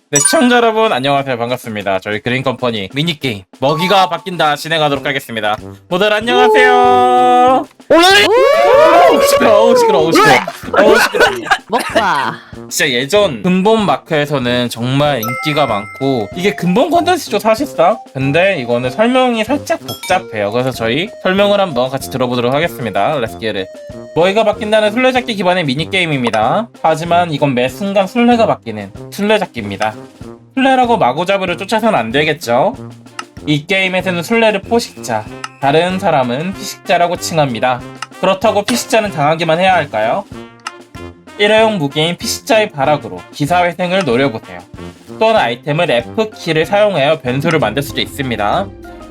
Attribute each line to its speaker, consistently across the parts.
Speaker 1: 네, 시청자 여러분 안녕하세요. 반갑습니다. 저희 그린컴퍼니 미니게임 먹이가 바뀐다 진행하도록 하겠습니다. 모두 안녕하세요. 시끄러워.
Speaker 2: 먹봐.
Speaker 1: 진짜 예전 근본 마크에서는 정말 인기가 많고 이게 근본 컨텐츠죠 사실상. 근데 이거는 설명이 살짝 복잡해요. 그래서 저희 설명을 한번 같이 들어보도록 하겠습니다. Let's get it. 먹이가 바뀐다는 술래잡기 기반의 미니게임입니다. 하지만 이건 매 순간 술래가 바뀌는 술래잡기입니다. 술래라고 마구잡이로 쫓아서는 안 되겠죠? 이 게임에서는 술래를 포식자, 다른 사람은 피식자라고 칭합니다. 그렇다고 피식자는 당하기만 해야 할까요? 일회용 무기인 피식자의 발악으로 기사회생을 노려보세요. 또는 아이템을 F키를 사용하여 변수를 만들 수도 있습니다.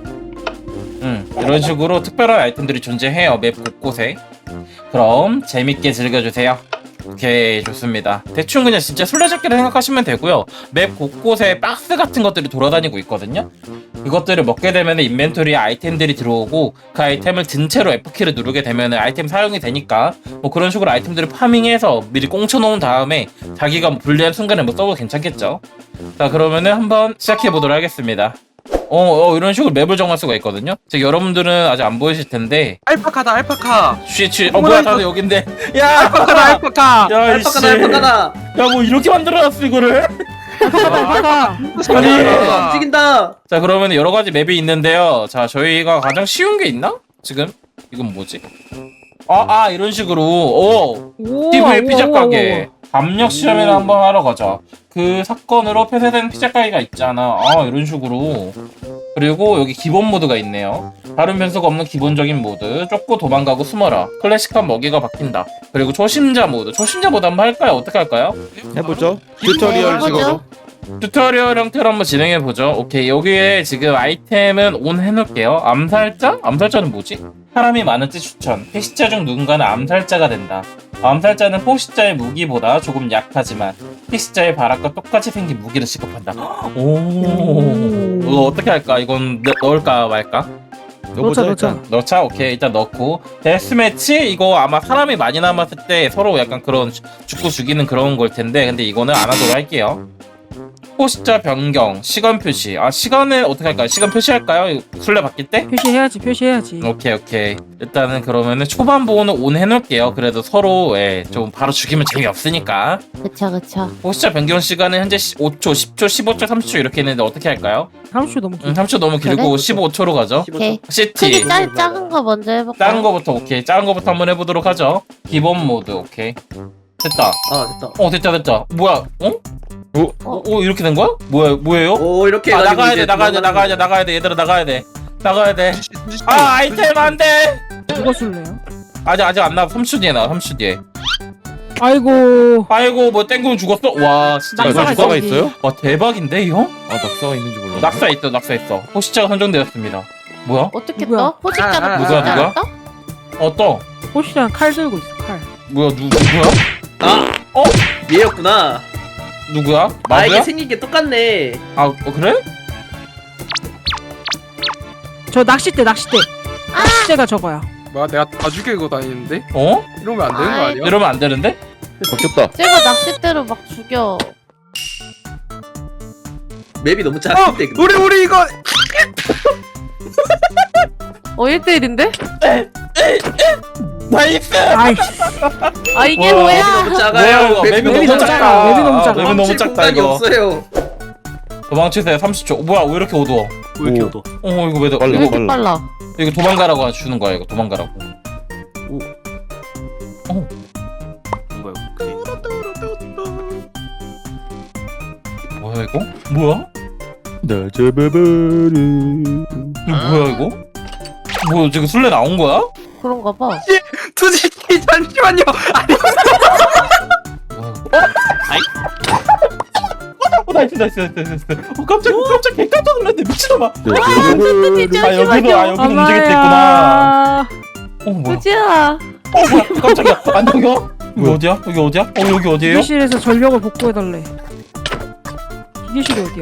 Speaker 1: 이런 식으로 특별한 아이템들이 존재해요. 맵 곳곳에. 그럼 재밌게 즐겨주세요. 오케이, 좋습니다. 대충 그냥 진짜 술래잡기를 생각하시면 되고요. 맵 곳곳에 박스 같은 것들이 돌아다니고 있거든요. 그것들을 먹게 되면 인벤토리에 아이템들이 들어오고 그 아이템을 든 채로 F키를 누르게 되면 아이템 사용이 되니까 뭐 그런 식으로 아이템들을 파밍해서 미리 꽁쳐놓은 다음에 자기가 뭐 불리한 순간에 뭐 써도 괜찮겠죠. 자, 그러면은 한번 시작해보도록 하겠습니다. 이런 식으로 맵을 정할 수가 있거든요. 지금 여러분들은 아직 안 보이실 텐데
Speaker 3: 알파카다 알파카.
Speaker 1: 뭐야 다들 여긴데. 야,
Speaker 3: 알파카다 알파카.
Speaker 1: 야,
Speaker 4: 알파카다.
Speaker 1: 야, 뭐 이렇게 만들어놨어 이거를.
Speaker 3: 알파카.
Speaker 1: 아니.
Speaker 4: 움직인다.
Speaker 1: 자, 그러면 여러 가지 맵이 있는데요. 자, 저희가 가장 쉬운 게 있나? 지금 이건 뭐지? 이런 식으로 TV 피자 가게 압력 시험을 한번 하러 가자. 그 사건으로 폐쇄된 피자 가게가 있잖아. 이런 식으로. 그리고 여기 기본 모드가 있네요. 다른 변수가 없는 기본적인 모드. 쫓고 도망가고 숨어라. 클래식한 먹이가 바뀐다. 그리고 초심자 모드 한번 할까요? 어떻게 할까요?
Speaker 5: 해보죠. 튜토리얼 식으로.
Speaker 1: 튜토리얼 형태로 한번 진행해보죠. 오케이, 여기에 지금 아이템은 온 해놓을게요. 암살자? 암살자는 뭐지? 사람이 많은지 추천. 피식자 중 누군가는 암살자가 된다. 암살자는 포식자의 무기보다 조금 약하지만 피식자의 발악과 똑같이 생긴 무기를 취급한다. 이거 어떻게 할까? 이건 넣을까 말까? 넣자. 오케이, 일단 넣고. 데스매치? 이거 아마 사람이 많이 남았을 때 서로 약간 그런 죽고 죽이는 그런 걸 텐데, 근데 이거는 안 하도록 할게요. 포식자 변경, 시간 표시. 시간을 어떻게 할까요? 시간 표시할까요? 술래 바뀔 때?
Speaker 2: 표시해야지.
Speaker 1: 오케이. 일단은 그러면은 초반 보호는 온 해놓을게요. 그래도 서로 좀 바로 죽이면 재미없으니까.
Speaker 2: 그쵸.
Speaker 1: 포식자 변경 시간은 현재 5초, 10초, 15초, 30초 이렇게 있는데 어떻게 할까요?
Speaker 2: 30초 너무 길어.
Speaker 1: 30초 너무 길고
Speaker 2: 그래?
Speaker 1: 15초로 가죠.
Speaker 2: 오케이.
Speaker 1: 시티.
Speaker 2: 크기 작은 거 먼저 해볼까?
Speaker 1: 작은 거부터 오케이. 작은 거부터 한번 해보도록 하죠. 기본 모드 오케이. 됐다.
Speaker 4: 됐다.
Speaker 1: 됐다. 뭐야? 이렇게 된 거야? 뭐예요?
Speaker 4: 오, 이렇게
Speaker 1: 나가야
Speaker 4: 해가지고
Speaker 1: 돼. 얘들아 나가야 돼. 아이템 안 돼.
Speaker 2: 누가 술래요?
Speaker 1: 아직 안 나와. 3초 뒤에 나와. 3초 뒤에.
Speaker 2: 아이고.
Speaker 1: 뭐 땡구는 죽었어? 와, 진짜 이거
Speaker 5: 낙사가
Speaker 1: 죽어?
Speaker 5: 있어요?
Speaker 1: 와, 대박인데 이거?
Speaker 5: 낙사가 있는지 몰라.
Speaker 1: 낙사 있어. 포식자가 선정되었습니다. 뭐야?
Speaker 2: 어떻게
Speaker 3: 누구야?
Speaker 2: 떠? 포식자가
Speaker 1: 누구야?
Speaker 2: 떠?
Speaker 1: 또?
Speaker 2: 칼 들고 있어, 칼.
Speaker 1: 뭐야? 누구야?
Speaker 4: 얘였구나.
Speaker 1: 누구야?
Speaker 4: 이게
Speaker 1: 마구야?
Speaker 4: 생긴 게 똑같네.
Speaker 1: 그래?
Speaker 2: 저 낚싯대. 낚싯대가 저거야.
Speaker 3: 뭐야 내가 다 죽이고 다니는데?
Speaker 1: 어?
Speaker 3: 이러면 안 되는 거 아니야?
Speaker 1: 이러면 안 되는데?
Speaker 5: 바뀌었다.
Speaker 2: 쟤가 낚싯대로 막 죽여.
Speaker 4: 맵이 너무 작은데. 근데.
Speaker 3: 우리 이거
Speaker 2: 1대1인데?
Speaker 1: 나이스!
Speaker 2: 아이씨. 이게
Speaker 1: 와,
Speaker 2: 뭐야?
Speaker 4: 너무 작아요.
Speaker 1: 이거? 맵이
Speaker 2: 맵이
Speaker 1: 너무
Speaker 2: 너무
Speaker 1: 작다.
Speaker 2: 작아. 맵이 너무 작아.
Speaker 1: 맵이 너무 작다
Speaker 4: 공간이
Speaker 1: 이거.
Speaker 4: 없어요.
Speaker 1: 도망치세요. 30초. 뭐야? 왜 이렇게 어두워?
Speaker 4: 왜 이렇게 어두?
Speaker 1: 이거 왜
Speaker 5: 빨라.
Speaker 2: 왜 이렇게 빨라?
Speaker 1: 이거 도망가라고 주는 거야. 이거 도망가라고. 뭐야 이거? 뭐야?
Speaker 5: 나 잡아버려.
Speaker 1: 뭐야 이거? 뭐 지금 술래 나온 거야?
Speaker 2: 그런가 봐.
Speaker 3: 투지키 잠시만요.
Speaker 1: 나이스. 깜짝 놀랐네. 미친놈아. 여기도 움직일 수 있구나. 뭐야?
Speaker 2: 그지야.
Speaker 1: 뭐야? 깜짝이야. 안녕이요? 여기 어디야? 여기 어디예요?
Speaker 2: 기계실에서 전력을 복구해달래. 기계실이 어디야?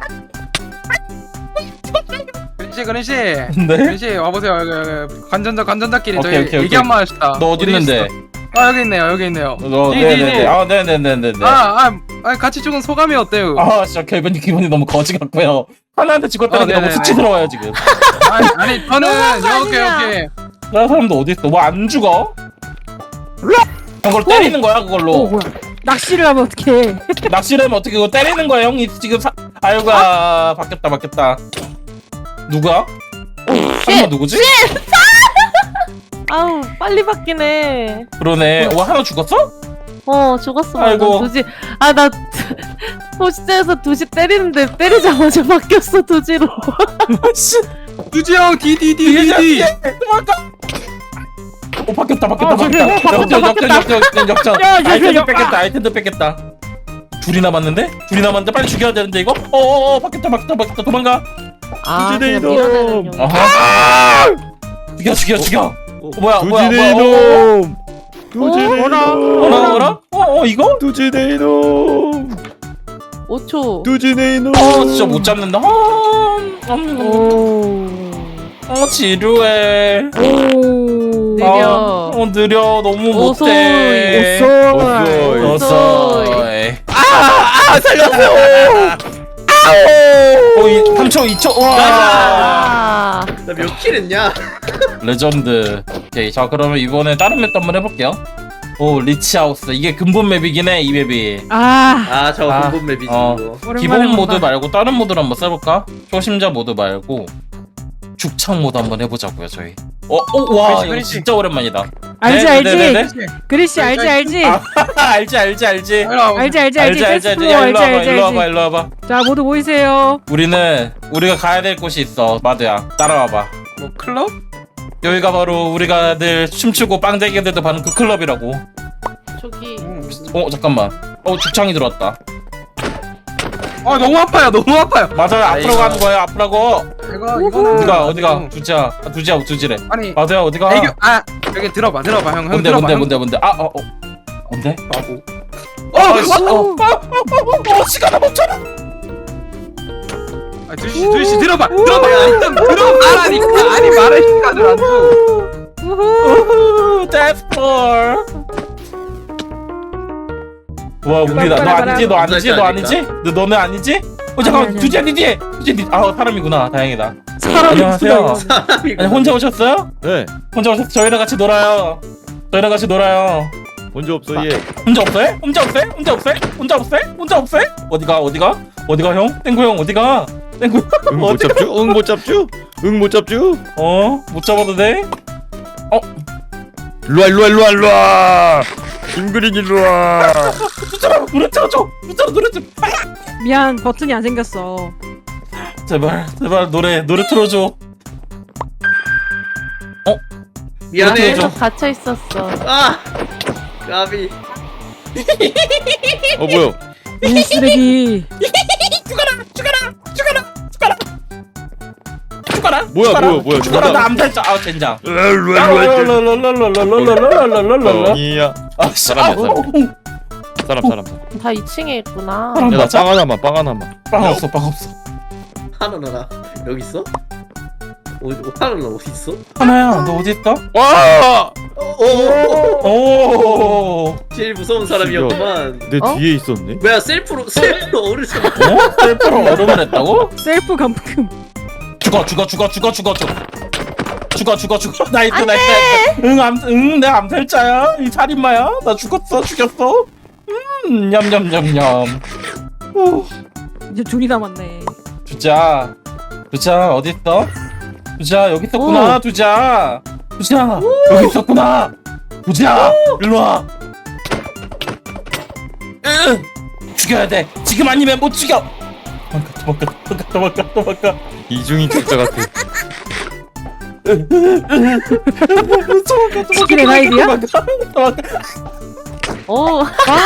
Speaker 3: 그런시
Speaker 1: 네?
Speaker 3: 그런시 와보세요. 관전자끼리
Speaker 1: 오케이.
Speaker 3: 저희 얘기 한번 합시다.
Speaker 1: 너 어디 있는데?
Speaker 3: 아 여기 있네요 여기 있네요.
Speaker 1: 네네네. 아 네네네네네.
Speaker 3: 같이 죽은 소감이 어때요?
Speaker 1: 아 진짜 기분이 너무 거지 같고요. 하나한테 죽었다는 게 너무
Speaker 3: 네네네.
Speaker 1: 수치스러워요 지금.
Speaker 3: 아니 저는 오케이.
Speaker 1: 다른 사람도 어디 있어? 뭐 안 죽어? 그걸 때리는 거야 그걸로.
Speaker 2: 뭐야? 낚시를 하면 어떡해?
Speaker 1: 낚시를 하면 어떻게 그거 때리는 거야 형이 지금 아유가 바뀌었다. 누구야? 설마 누구지?
Speaker 6: 아우 빨리 바뀌네.
Speaker 1: 그러네. 와 하나 죽었어?
Speaker 6: 죽었어.
Speaker 1: 아이고.
Speaker 6: 두지. 나 도시장에서 두시 때리는데 때리자마자 바뀌었어 두지로.
Speaker 1: 씨.
Speaker 3: 두지 형 디디.
Speaker 1: 도망가. 바뀌었다. 역전.
Speaker 2: 야,
Speaker 1: 아이템도 뺏겠다. 둘이 남았는데 빨리 죽여야 되는데 이거? 바뀌었다. 도망가.
Speaker 5: 두지네
Speaker 6: 그냥 밀어내는 용.
Speaker 1: 아하. 죽여. 뭐야?
Speaker 5: 두지네 이놈. 두지네
Speaker 1: 어라?
Speaker 5: 이놈.
Speaker 1: 이거?
Speaker 5: 두지네 이놈.
Speaker 6: 5초.
Speaker 5: 두지네 이놈.
Speaker 1: 진짜 못 잡는다. 지루해.
Speaker 6: 느려.
Speaker 1: 느려. 너무
Speaker 6: 오소이.
Speaker 1: 못해.
Speaker 6: 오소이.
Speaker 5: 살렸어요.
Speaker 1: 3초, 2초. 와.
Speaker 6: 아.
Speaker 4: 나 몇 킬 했냐?
Speaker 1: 레전드. 오케이. 자, 그러면 이번에 다른 맵도 한번 해볼게요. 리치하우스. 이게 근본 맵이긴 해, 이 맵이.
Speaker 4: 저
Speaker 1: 아,
Speaker 4: 근본 맵이지
Speaker 1: 어.
Speaker 4: 이거.
Speaker 2: 오랜만에
Speaker 1: 기본
Speaker 2: 본다.
Speaker 1: 모드 말고 다른 모드로 한번 써볼까? 초심자 모드 말고 죽창 모드 한번 해보자고요, 저희. 와,
Speaker 3: 그렇지,
Speaker 1: 이거
Speaker 3: 그렇지.
Speaker 1: 진짜 오랜만이다.
Speaker 2: 알지.
Speaker 1: 네네네네.
Speaker 2: 그리씨 알지.
Speaker 1: 알지. 알지. 일로 와봐.
Speaker 2: 자 모두 모이세요.
Speaker 1: 우리가 가야 될 곳이 있어. 마드야, 따라와봐.
Speaker 3: 뭐 클럽?
Speaker 1: 여기가 바로 우리가 늘 춤추고 빵대기들도 가는 그 클럽이라고.
Speaker 6: 저기.
Speaker 1: 잠깐만. 죽창이 들어왔다.
Speaker 3: 너무 아파요.
Speaker 1: 맞아요. 앞으로
Speaker 3: 이거.
Speaker 1: 가는 거예요. 앞으라고.
Speaker 3: 이거는
Speaker 1: 어디가? 두지야.
Speaker 3: 아니
Speaker 1: 마드야 어디가?
Speaker 3: 애교 여기 들어봐 형.
Speaker 1: 뭔데?
Speaker 3: 들어봐.
Speaker 1: 뭔데? 뭔데?
Speaker 3: 바보.
Speaker 1: 시간을 멈춰라.
Speaker 3: 두시 들어봐. 일단 들어봐라니까. 아니 말할 시간을 안 줘.
Speaker 1: 데스폴. 와 우리다. 너 아니지? 너는 아니지? 잠깐만.
Speaker 2: 아니.
Speaker 1: 두지야 니 뒤에. 사람이구나. 다행이다.
Speaker 2: 사람이
Speaker 1: 안녕하세요.
Speaker 4: 사람이고.
Speaker 1: 아니 혼자 오셨어요?
Speaker 5: 네.
Speaker 1: 저희랑 같이 놀아요.
Speaker 5: 먼저 없어 얘.
Speaker 1: 혼자 없어요? 어디가 형? 땡구 형 어디가?
Speaker 5: 응 못 잡죠? 못 잡죠?
Speaker 1: 못 잡아도 돼?
Speaker 5: 일로 와. 김그린 일로 와.
Speaker 1: 두자라 노래 틀어줘.
Speaker 2: 미안 버튼이 안 생겼어.
Speaker 1: 제발 노래 틀어줘.
Speaker 4: 미안해.
Speaker 1: 그렇죠.
Speaker 6: 갇혀 있었어.
Speaker 4: 까비.
Speaker 5: 뭐야?
Speaker 2: 이 쓰레기.
Speaker 1: 죽어라.
Speaker 5: 죽어라.
Speaker 1: 나 암살자. 젠장.
Speaker 5: 일로 뻥이야. 사람.
Speaker 6: 다 2층에 있구나.
Speaker 1: 사람
Speaker 5: 야나
Speaker 1: 맞아?
Speaker 5: 빵 하나만.
Speaker 1: 빵 없어.
Speaker 4: 하나나 여기 있어? 하나나 어디 있어?
Speaker 1: 하나야 너 어디 있어?
Speaker 5: 와!
Speaker 1: 오.
Speaker 4: 제일 무서운 사람이었구만.
Speaker 5: 내
Speaker 6: 어?
Speaker 5: 뒤에 있었네.
Speaker 4: 뭐야 셀프로 어르신.
Speaker 1: 셀프로 얼음을 했다고?
Speaker 2: 셀프 감금.
Speaker 1: 죽어. 나이트. 응, 내가 암살자야. 이 살인마야. 나 죽였어. 냠냠냠냠.
Speaker 2: 이제 둘이 남았네.
Speaker 1: 두자 어디 있어? 두자 여기 있었구나. 두자 여기 있었구나. 두자 일로 와. 죽여야 돼. 지금 아니면 못 죽여. 도망가.
Speaker 5: 이중인 격자 같아.
Speaker 2: 치킨의 나이비야?
Speaker 6: 오.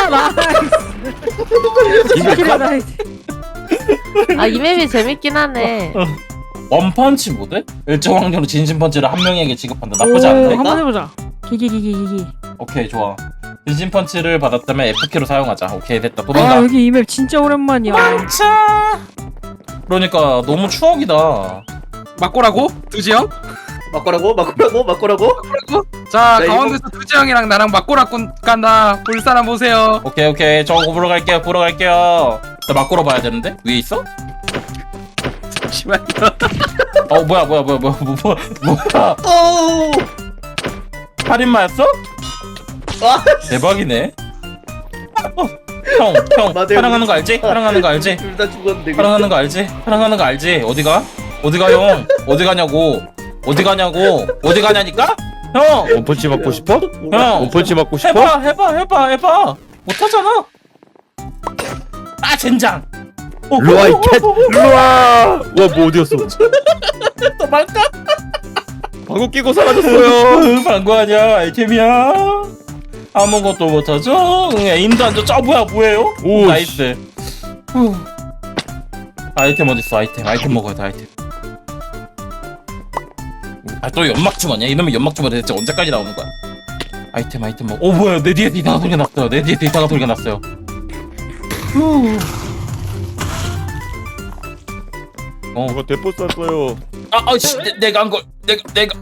Speaker 2: 치킨의 나이비.
Speaker 6: 이 맵이 재밌긴 하네.
Speaker 1: 원펀치 모드? 일정 확률로 진심 펀치를 한 명에게 지급한다. 나쁘지 않은데?
Speaker 2: 한번 해보자. 기기.
Speaker 1: 오케이 좋아. 진심 펀치를 받았다면 F키로 사용하자. 오케이 됐다. 도망가.
Speaker 2: 여기 이 맵 진짜 오랜만이야.
Speaker 1: 그러니까 너무 추억이다.
Speaker 3: 맞고라고? 두지 형?
Speaker 4: 막고라고?
Speaker 3: 자
Speaker 4: 나 이거-
Speaker 3: 가운데서 두지 형이랑 나랑 맞고라 간다. 볼 사람 보세요.
Speaker 1: 오케이 저 보러 갈게요. 나 막고로 봐야 되는데 위에 있어?
Speaker 3: 잠시만요.
Speaker 1: 뭐야
Speaker 4: 오!
Speaker 1: 살인마였어?
Speaker 4: 아,
Speaker 1: 대박이네. 형
Speaker 4: 마대요.
Speaker 1: 사랑하는 거 알지? 사랑하는 거 알지?
Speaker 4: 둘 다 죽었는데.
Speaker 1: 사랑하는 거 알지? 사랑하는 거 알지? 어디가 형? 어디 가냐니까? 형
Speaker 5: 원펀치 맞고 싶어?
Speaker 1: 형!
Speaker 5: 원펀치 맞고 싶어?
Speaker 1: 해봐 못하잖아. 아 젠장.
Speaker 5: 일로와 이 캣! 일로와! 와뭐 어디였어?
Speaker 1: 또 말까?
Speaker 5: 방구 끼고 사라졌어요.
Speaker 1: 방구 아니야 아이템이야. 아무것도 못하죠? 에임도 안 좋죠? 뭐예요?
Speaker 5: 오,
Speaker 1: 나이스. 후. 아이템 어딨어? 아이템 먹어야 돼. 아이템. 또 연막 주머니야? 이놈의 연막 주머니 대체 언제까지 나오는 거야? 아이템 먹어. 뭐야? 내 뒤에 이상한 소리가 났어요. 후.
Speaker 5: 이거 대포 쐈어요.
Speaker 1: 씨, 내가 한 걸, 내가.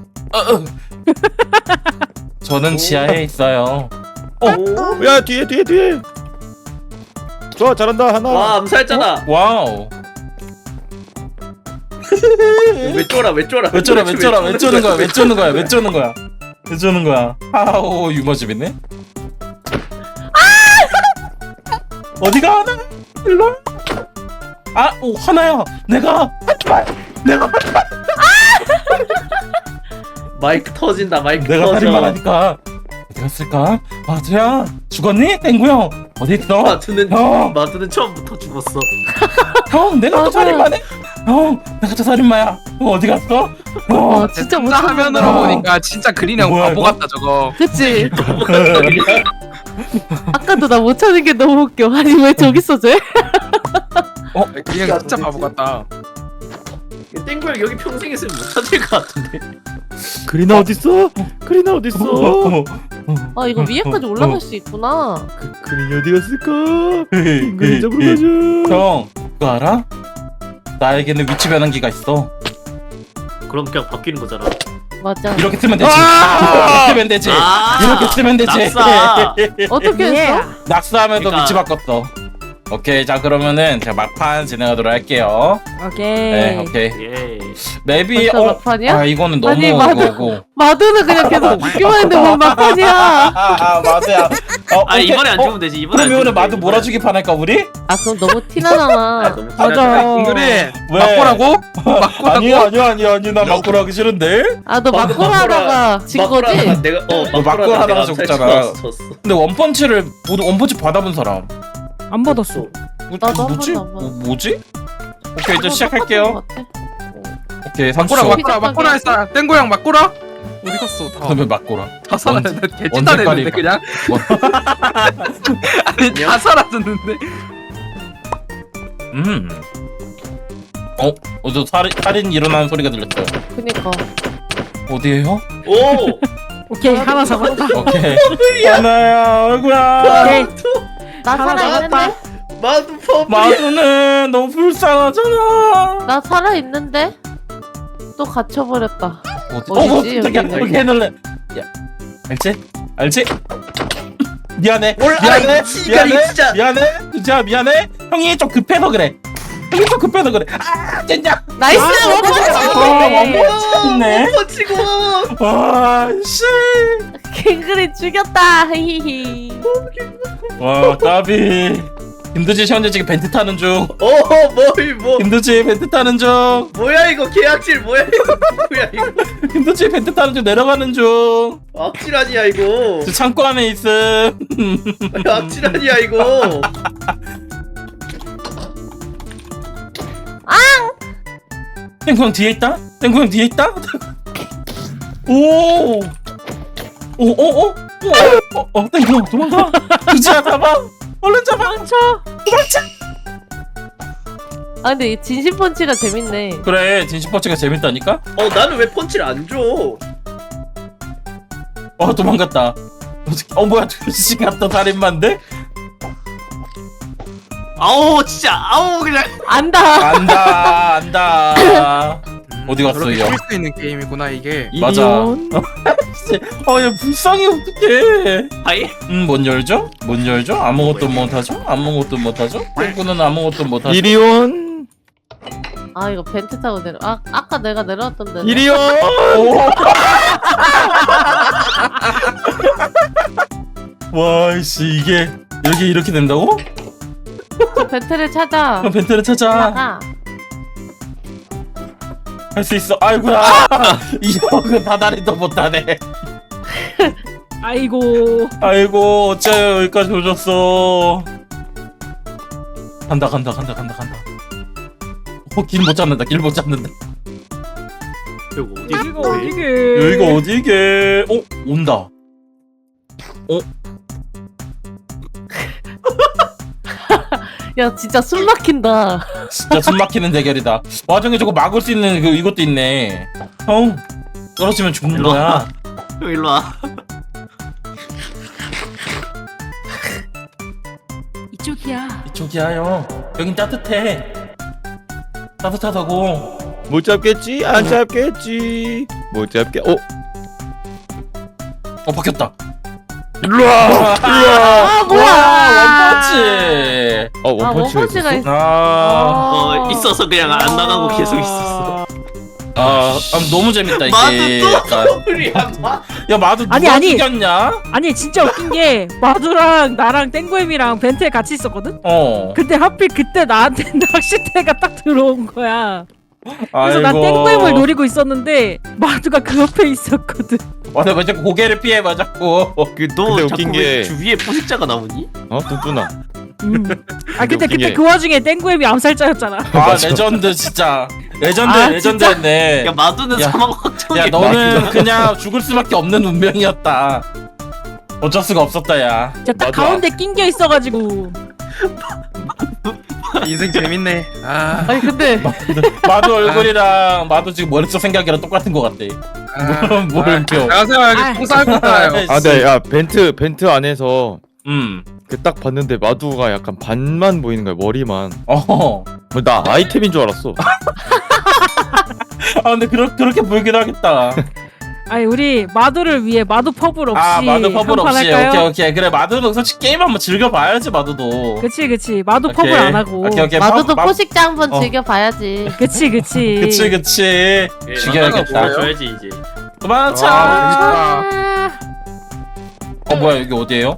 Speaker 1: 저는 지하에 있어요.
Speaker 4: 오.
Speaker 5: 야 뒤에. 좋아 잘한다 하나.
Speaker 4: 와, 암살했잖아.
Speaker 1: 와우.
Speaker 4: 왜 쫄아?
Speaker 1: 왜 쪼는 거야? 아우 유머집이네. 어디가 하나? 일로. 오 하나야. 내가
Speaker 4: 마이크 터진다. 마이크
Speaker 1: 내가
Speaker 4: 터져.
Speaker 1: 살인마라니까. 어디 갔을까? 마두야 죽었니? 땡구 형 어디 있어?
Speaker 4: 마두는 처음부터 죽었어.
Speaker 1: 형 내가 또
Speaker 6: 맞아.
Speaker 1: 살인마네? 형 내가 또 살인마야. 형 어디 갔어?
Speaker 6: 와 진짜
Speaker 3: 진짜 화면으로
Speaker 1: 아.
Speaker 3: 보니까 진짜 그린 형
Speaker 1: 뭐야,
Speaker 3: 바보
Speaker 1: 이거?
Speaker 3: 같다 저거.
Speaker 6: 그치? 아까도 나 못 찾은 게 너무 웃겨. 아니 왜 저기 있어 쟤?
Speaker 3: 그린 형 진짜 바보 같다.
Speaker 4: 땡구형 여기 평생 있으면 못 찾을 것 같은데.
Speaker 5: 그리나 어딨어? 그리나 어딨어?
Speaker 6: 아 이거 위에까지 올라갈 수 있구나.
Speaker 5: 그린이 어디 갔을까? 그린 잡으러 가자.
Speaker 1: 형 그거 알아? 나에게는 위치 변환기가 있어.
Speaker 4: 그럼 그냥 바뀌는 거잖아.
Speaker 6: 맞아.
Speaker 1: 이렇게 쓰면 되지.
Speaker 5: 아!
Speaker 1: 이렇게 쓰면 되지. 이렇게 쓰면 되지.
Speaker 4: 낙사.
Speaker 6: 어떻게 했어?
Speaker 1: 낙서하면서
Speaker 4: 그러니까-
Speaker 1: 위치 바꿨어. 오케이 자 그러면은 제가 막판 진행하도록 할게요. 네 오케이.
Speaker 4: 예.
Speaker 1: 맵이
Speaker 6: 벌써 막판이야?
Speaker 1: 이거는 너무
Speaker 6: 아니, 맞아.
Speaker 1: 그거고.
Speaker 6: 마두는 그냥 계속 죽기만 했는데 뭔 막판이야.
Speaker 1: 마두야.
Speaker 4: 이번에 안 죽으면 되지. 이번에 안
Speaker 1: 그럼 이번에
Speaker 4: 죽으면
Speaker 1: 마두
Speaker 4: 돼,
Speaker 1: 몰아주기 판할까 우리?
Speaker 6: 아 그럼 너무 티나잖아.
Speaker 4: 너무
Speaker 2: 맞아.
Speaker 4: 티나잖아.
Speaker 3: 그래
Speaker 1: 왜?
Speaker 3: 맞고라고? 맞고라고?
Speaker 1: 아니야 나 막고라 하기 싫은데.
Speaker 6: 아 너 막고라 하다가 진 거지?
Speaker 4: 내가
Speaker 1: 막고라 하다가 죽잖아.
Speaker 4: 졌어.
Speaker 1: 근데 원펀치를 모두 원펀치 받아본 사람.
Speaker 2: 안 받았어.
Speaker 6: 나도 한
Speaker 1: 뭐지?
Speaker 6: 번도 안 받았어.
Speaker 1: 뭐지? 오케이 이제
Speaker 6: 똑같은
Speaker 1: 시작할게요.
Speaker 6: 것 같아.
Speaker 1: 오케이
Speaker 3: 맞고라
Speaker 1: 30초.
Speaker 3: 맞고라 했어. 땡구 형 맞고라? 어디 갔어?
Speaker 1: 그러면 막고라.
Speaker 3: 다 사라졌는데
Speaker 1: 언제
Speaker 3: 개찐다냈는데 그냥. 아니 다 사라졌는데.
Speaker 1: 저 살인 일어나는 소리가 들렸어요.
Speaker 6: 그니까.
Speaker 1: 어디에요?
Speaker 4: 오.
Speaker 2: 오케이 하나 잡았다.
Speaker 1: 오케이. 하나야, 얼굴아.
Speaker 2: 오케이.
Speaker 6: 나
Speaker 2: 하나
Speaker 6: 살아있는데?
Speaker 4: 마두 퍼플.
Speaker 1: 마두는 너무 불쌍하잖아.
Speaker 6: 나 살아있는데? 또 갇혀버렸다.
Speaker 1: 깜짝이야.
Speaker 6: 어디지, 여기는?
Speaker 1: 이렇게 해놓을래. 야, 알지? 미안해.
Speaker 4: 아이, 진짜.
Speaker 1: 미안해. 형이 좀 급해서 그래. 아, 젠장.
Speaker 6: 나이스!
Speaker 1: 있네.
Speaker 4: 퍼치고.
Speaker 1: 와, 씨.
Speaker 6: 갱그리 죽였다. 히히히.
Speaker 1: 와, 까비. 김두지 현재 지금 벤트 타는 중.
Speaker 4: 뭐.
Speaker 1: 김두지 벤트 타는 중.
Speaker 4: 뭐야 이거 계약질 뭐야 이거.
Speaker 1: 김두지 벤트 타는 중 내려가는 중.
Speaker 4: 악질 아니야 이거.
Speaker 1: 저 창고 안에 있음.
Speaker 4: 악질 아니야 이거.
Speaker 1: 땡구 형 뒤에 있다? 오! 땡구 형 도망가! 두지야 잡아! 얼른 잡아! 도망쳐!
Speaker 6: 아 근데 이 진심 펀치가 재밌네.
Speaker 1: 그래 진심퍼치가 재밌다니까?
Speaker 4: 나는 왜 펀치를 안 줘?
Speaker 1: 도망갔다. 뭐야 두지가 또 살인마인데?
Speaker 4: 아우 진짜 아우 그냥.
Speaker 6: 안다.
Speaker 1: 안다 어디 갔어
Speaker 3: 저렇게
Speaker 1: 이 형?
Speaker 3: 쉴수 있는 게임이구나 이게.
Speaker 1: 맞아. 아얘 불쌍해 어떡해.
Speaker 4: 하이?
Speaker 1: 뭔 열죠? 뭔 열죠? 아무것도 못하죠? 아무것도 못하죠? 땡구는 아무것도 못하죠?
Speaker 5: 이리온
Speaker 6: 아 이거 벤트 타고 내려. 아까 내가 내려왔던 데.
Speaker 5: 이리온
Speaker 1: 와이씨 이게 여기 이렇게 된다고?
Speaker 6: 저 벤트를 찾아.
Speaker 1: 그럼 벤트를 찾아.
Speaker 6: 나가.
Speaker 1: 할 수 있어. 아이고야. 이 형은 다다리도 못하네.
Speaker 2: 아이고.
Speaker 1: 아이고 어째요 여기까지 오셨어. 간다. 길 못 잡는다. 길 못 잡는다.
Speaker 4: 이거 어디?
Speaker 2: 여기가 어디게?
Speaker 1: 여기가 어디게? 온다.
Speaker 6: 야 진짜 숨 막힌다.
Speaker 1: 진짜 숨 막히는 대결이다. 와중에 저거 막을 수 있는 이것도 있네. 형 떨어지면 죽는
Speaker 4: 일로
Speaker 1: 거야.
Speaker 4: 와. 형 일로 와.
Speaker 2: 이쪽이야.
Speaker 1: 이쪽이야 형. 여긴 따뜻해. 따뜻하다고.
Speaker 5: 못 잡겠지? 안 잡겠지? 못 잡게
Speaker 1: 바뀌었다.
Speaker 5: 일로와
Speaker 6: 아 뭐야?
Speaker 1: 원펀치.
Speaker 5: 원펀치가
Speaker 6: 원펀치가
Speaker 5: 있었어?
Speaker 1: 아,
Speaker 4: 있어서 그냥 안 나가고 계속 있었어.
Speaker 1: 너무 재밌다
Speaker 4: 마도
Speaker 1: 이게.
Speaker 4: 또
Speaker 1: 약간.
Speaker 4: 소리야.
Speaker 1: 야 마도 누가
Speaker 2: 아니.
Speaker 1: 죽였냐?
Speaker 2: 아니 진짜 웃긴 게 마두랑 나랑 땡구엠이랑 벤트에 같이 있었거든? 근데 하필 그때 나한테 낚싯대가 딱 들어온 거야. 그래서 난 땡구엠을 노리고 있었는데 마두가 그 옆에 있었거든.
Speaker 1: 맞아 왜 자꾸 고개를 피해 맞았고.
Speaker 4: 너
Speaker 5: 근데
Speaker 4: 자꾸
Speaker 5: 웃긴
Speaker 4: 왜
Speaker 5: 게-
Speaker 4: 주위에 포식자가 나오니?
Speaker 5: 뚱뚱아
Speaker 2: 아 근데
Speaker 5: 웃긴
Speaker 2: 그때
Speaker 5: 게-
Speaker 2: 그 와중에 땡구엠이 암살자였잖아.
Speaker 5: 맞아.
Speaker 1: 레전드 진짜. 레전드
Speaker 2: 아,
Speaker 1: 레전드였네.
Speaker 4: 야 마두는
Speaker 1: 야.
Speaker 4: 사망 확정이야.
Speaker 1: 야 너는 그냥 죽을 수밖에 없는 운명이었다. 어쩔 수가 없었다 야.
Speaker 2: 진짜 딱
Speaker 5: 마두야.
Speaker 2: 가운데 낀겨 있어가지고.
Speaker 3: 인생 재밌네. 아.
Speaker 6: 아니 근데
Speaker 1: 마도 얼굴이랑 마도 지금 머릿속 생각이랑 똑같은 것 같대. 뭘 웃겨.
Speaker 3: 안녕하세요.
Speaker 2: 아.
Speaker 3: 여기 통살고 있잖아요.
Speaker 5: 근데 야 벤트 안에서
Speaker 1: 음.
Speaker 5: 그 딱 봤는데 마두가 약간 반만 보이는 거야 머리만 나 아이템인 줄 알았어
Speaker 1: 근데 그렇게 보이긴 하겠다.
Speaker 2: 아니 우리 마두를 위해 마두 퍼블 없이
Speaker 1: 마도 퍼블
Speaker 2: 한판
Speaker 1: 없이.
Speaker 2: 할까요?
Speaker 1: 오케이. 그래 마도도 솔직히 게임 한번 즐겨봐야지 마도도.
Speaker 2: 그치 마두
Speaker 1: 오케이.
Speaker 2: 퍼블 안 하고.
Speaker 1: 오케이.
Speaker 6: 마두도 포식자 한번
Speaker 1: 어.
Speaker 6: 즐겨봐야지.
Speaker 2: 그치
Speaker 1: 그치. 죽여야겠다.
Speaker 4: 줘야지 이제.
Speaker 1: 도망쳐.
Speaker 3: 아,
Speaker 1: 뭐야 여기 어디에요?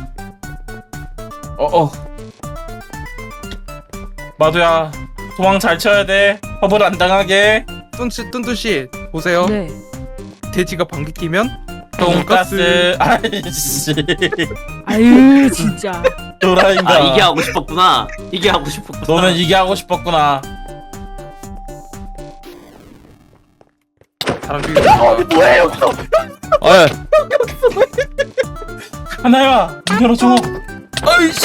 Speaker 1: 마도야 도망 잘 쳐야 돼. 퍼블 안 당하게.
Speaker 3: 뚠뚜 씨 보세요.
Speaker 2: 네.
Speaker 3: 돼지가 방귀 끼면
Speaker 1: 돈가스. 아이씨.
Speaker 2: 아유 진짜.
Speaker 1: 도라인가.
Speaker 4: 이게 하고 싶었구나. 이게 하고 싶었구나.
Speaker 1: 너는 이게 하고 싶었구나.
Speaker 3: 사람 죽이는
Speaker 1: 뭐예요?
Speaker 5: 아
Speaker 1: 하나야 문 열어줘. 아이씨.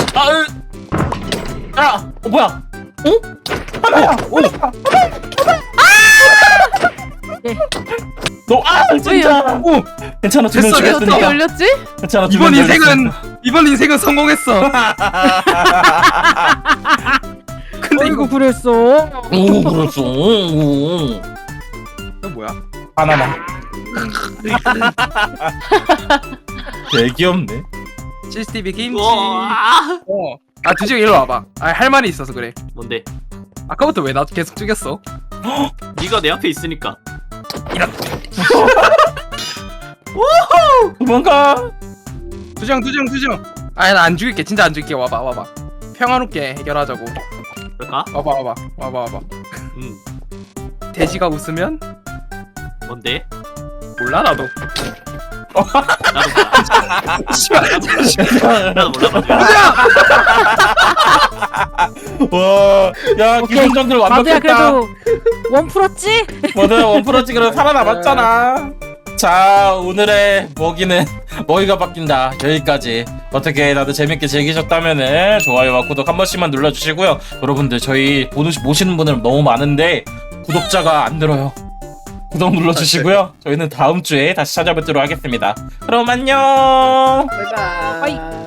Speaker 1: 뭐야? 하나야.
Speaker 2: 네.
Speaker 1: 너 진짜. 괜찮아. 두명
Speaker 3: 됐어,
Speaker 6: 이게 어떻게
Speaker 1: 죽였으니까.
Speaker 6: 열렸지?
Speaker 1: 괜찮아.
Speaker 3: 이번 인생은 성공했어. 근데
Speaker 2: 어이구
Speaker 3: 이거
Speaker 2: 그랬어.
Speaker 1: 오 그랬어. 오.
Speaker 3: 이거 뭐야?
Speaker 1: 하나만. 되게 귀엽네.
Speaker 3: CCTV 김치.
Speaker 4: 우와.
Speaker 3: 두지가 일로 와봐. 할 말이 있어서 그래.
Speaker 4: 뭔데?
Speaker 3: 아까부터 왜 나 계속 죽였어?
Speaker 4: 네가 내 앞에 있으니까.
Speaker 1: 도망가.
Speaker 3: 두정. 나 안 죽일게. 진짜 안 죽일게. 와봐. 평화롭게 해결하자고.
Speaker 4: 그럴까?
Speaker 3: 와봐. 돼지가 웃으면
Speaker 4: 뭔데?
Speaker 3: 몰라 나도.
Speaker 4: 나도 몰라가지고.
Speaker 1: 와, 야
Speaker 2: 오케이.
Speaker 1: 기승전결
Speaker 2: 마두야
Speaker 1: 완벽했다.
Speaker 2: 그래도 원 풀었지?
Speaker 1: 뭐든 원프로지 그래도 살아남았잖아. 자 오늘의 먹이가 바뀐다. 여기까지. 어떻게 다들 재밌게 즐기셨다면은 좋아요와 구독 한 번씩만 눌러주시고요. 여러분들 저희 모시는 분들 너무 많은데 구독자가 안 늘어요. 구독 눌러주시고요. 저희는 다음 주에 다시 찾아뵙도록 하겠습니다. 그럼 안녕.
Speaker 4: 바이바이.
Speaker 2: 빠이.